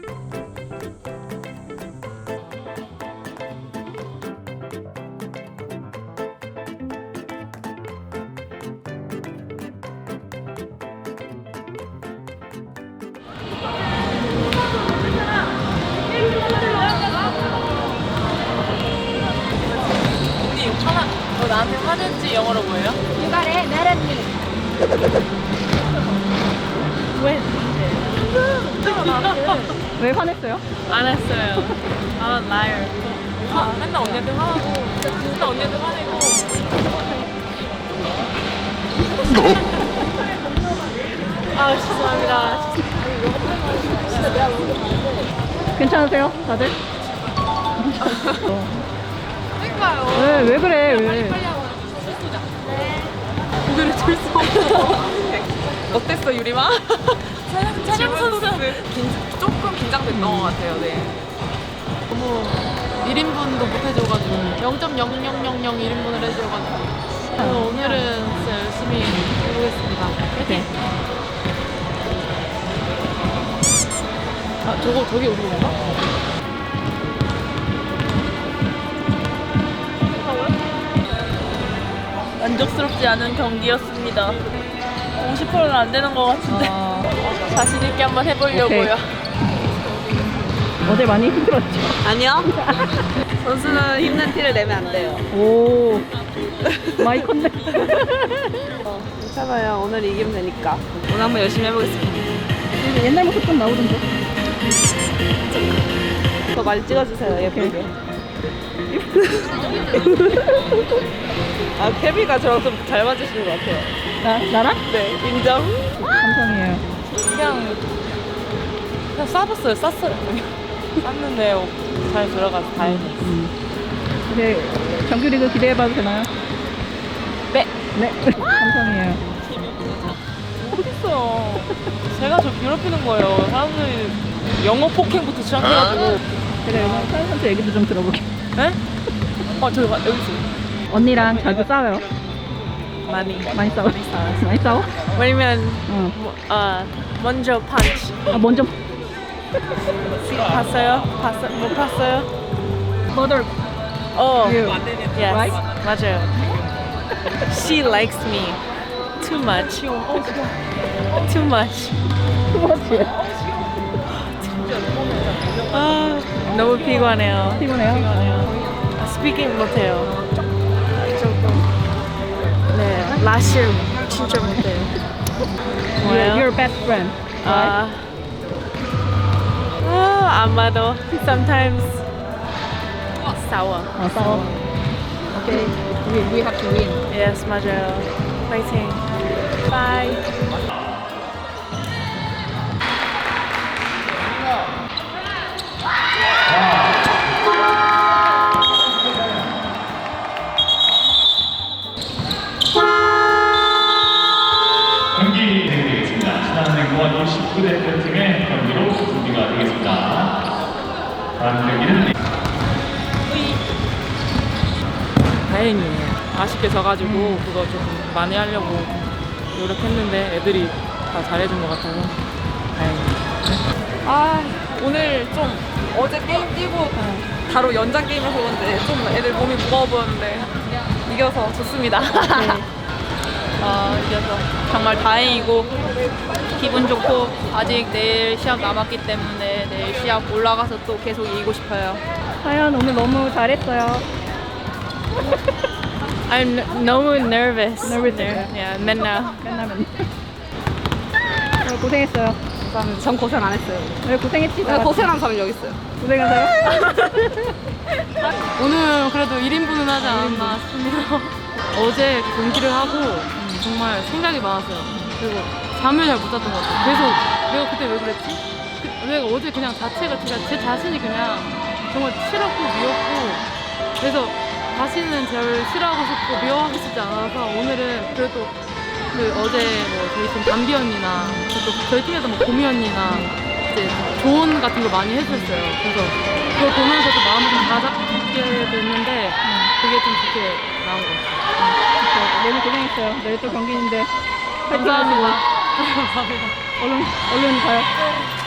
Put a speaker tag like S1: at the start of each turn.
S1: 나한테 화낸지 영어로 뭐예요?
S2: 유발의 나란히.
S1: 왜?
S2: 왜 화냈어요?
S1: 안 했어요. I'm a liar. 맨날 언니한테 화나고, 맨날 언니한테 화내고. 아, 죄송합니다.
S2: 괜찮으세요, 다들?
S1: 그러니까요.
S2: 왜 그래? 왜?
S1: 고개를 들 수 없어. 어땠어, 유리마? 촬영 선수. 조금 긴장됐던 것 같아요, 네. 너무 1인분도 못 해줘가지고 0.0000 1인분을 해줘가지고 그래서 오늘은 진짜 열심히 해보겠습니다. 파이팅! 아, 저기 우리 건가? 만족스럽지 않은 경기였습니다. 50%는 안 되는 것 같은데 자신 있게 한번 해보려고요.
S2: 어제 많이 힘들었죠?
S1: 아니요. 선수는 힘든 티를 내면 안 돼요.
S2: 오, 많이 컸네.
S1: 괜찮아요. 오늘 이기면 되니까. 오늘 한번 열심히 해보겠습니다.
S2: 옛날 모습 좀 나오던데.
S1: 더 많이 찍어주세요. 예쁘게. 아, 케비가 저랑 좀 잘 맞으시는 것 같아요.
S2: 나랑?
S1: 네, 인정.
S2: 감성이에요.
S1: 그냥 쌌어요. 쌌는데 잘 들어가서 다행이에요.
S2: 이제 정규리그 기대해봐도 되나요?
S1: 네.
S2: 네. 감성이에요.
S1: 어딨어요. 제가 저 괴롭히는 거예요. 사람들이 영어 폭행부터 시작해가지고.
S2: 제가 영어 사연 선수 얘기도 좀 들어볼게요.
S1: 네? 여기 있어요.
S2: 언니랑 자주 싸워요?
S1: 많이
S2: 싸워? 많이 싸워?
S1: 왜냐면
S2: 응.
S1: 먼저 펀치.
S2: 아, 먼저.
S1: 봤어요? 못 봤어요?
S2: Mother.
S1: Oh,
S2: You.
S1: yes,
S2: Right?
S1: 맞아요. She likes me too much. Too much.
S2: 투머치.
S1: 아, 너무 피곤해요.
S2: 피곤해요?
S1: 스피킹 못해요. 네, 라실 진짜 못해요. 뭐예요?
S2: Your best friend.
S1: 아마도 sometimes sour.
S2: 싸워. Okay. We have to win.
S1: Yes, 맞아요. 파이팅. Bye.
S3: 경기 진행되겠습니다. 신한은행과 19대표팀의 경기로 준비가 되겠습니다. 다음 경기는
S1: 다행이에요. 아쉽게 져가지고 그거 좀 많이 하려고 노력했는데 애들이 다 잘해준 것 같아서 다행이에요. 오늘 좀 어제 게임 뛰고 바로 연장 게임에서 그런데 좀 애들 몸이 무거워 보였는데 이겨서 좋습니다. 이겨서 정말 다행이고 기분 좋고 아직 내일 시합 남았기 때문에 내일 시합 올라가서 또 계속 이기고 싶어요.
S2: 하연 오늘 너무 잘했어요.
S1: I'm 너무 nervous.
S2: Nervous.
S1: Yeah, 맨날.
S2: 고생했어요.
S1: 감사합니다. 전 고생 안 했어요.
S2: 왜 고생했지?
S1: 고생한 사람이 여기 있어요.
S2: 고생하세요?
S1: 오늘 그래도 1인분은 하지 않았나 싶습니다. 어제 경기를 하고 정말 생각이 많았어요. 그리고 잠을 잘 못 잤던 것 같아요. 계속 내가 그때 왜 그랬지? 내가 어제 그냥 자체가 제 자신이 그냥 정말 싫었고 미웠고 그래서 다시는 저를 싫어하고 싶고 미워하고 싶지 않아서 오늘은 그래도 그 어제 뭐 저희 팀 담비 언니나 또 저희 팀에도 뭐 고미 언니나 이제 조언 같은 거 많이 해줬어요. 그래서 그걸 보면서도 마음을 좀 다잡게 됐는데 그게 좀 좋게 나온 것 같아요.
S2: 너무 고생했어요. 내일 또 경기인데.
S1: 감사합니다.
S2: 얼른 가요.